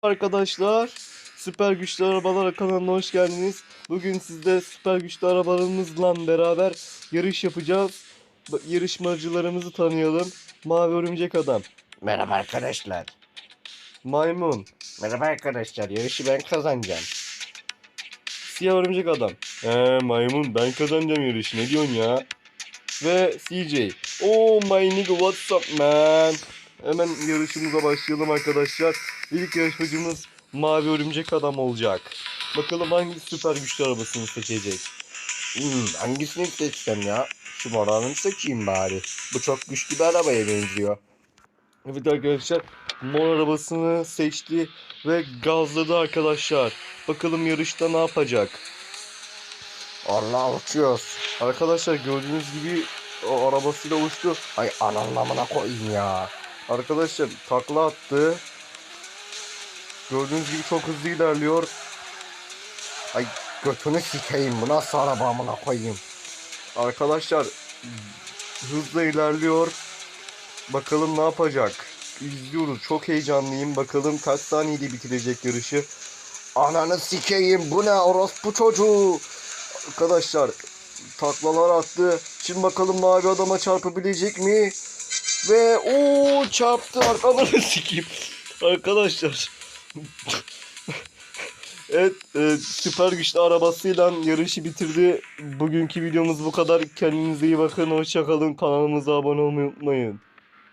Arkadaşlar, Süper Güçlü Arabalar kanalına hoş geldiniz. Bugün sizde süper güçlü arabalarımızla beraber yarış yapacağız. Yarışmacılarımızı tanıyalım. Mavi Örümcek Adam. Merhaba arkadaşlar. Maymun. Merhaba arkadaşlar. Yarışı ben kazanacağım. Siyah Örümcek Adam. Maymun, ben kazanacağım yarışı, ne diyorsun ya? Ve CJ. Oh my nigga, what's up man? Hemen yarışımıza başlayalım arkadaşlar. İlk yarışmacımız Mavi Örümcek Adam olacak. Bakalım hangi süper güçlü arabasını seçecek. Hangisini seçsem ya? Şu moranını seçeyim bari. Bu çok güçlü bir arabaya benziyor. Evet arkadaşlar, mor arabasını seçti ve gazladı arkadaşlar. Bakalım yarışta ne yapacak. Allah uçuyoruz. Arkadaşlar gördüğünüz gibi o arabasıyla uçtu. Ay anlamına koyayım ya. Arkadaşlar takla attı. Gördüğünüz gibi çok hızlı ilerliyor. Ay götünü sikeyim. Bu nasıl araba amına koyayım. Arkadaşlar hızla ilerliyor. Bakalım ne yapacak. İzliyoruz. Çok heyecanlıyım. Bakalım kaç saniyede bitirecek yarışı. Ananı sikeyim. Bu ne orospu çocuğu. Arkadaşlar taklalar attı. Şimdi bakalım mavi adama çarpabilecek mi? Ve o çarptı. Arkalarını sikeyim. Arkadaşlar. Evet, süper güçlü arabasıyla yarışı bitirdi. Bugünkü videomuz bu kadar. Kendinize iyi bakın. Hoşça kalın. Kanalımıza abone olmayı unutmayın.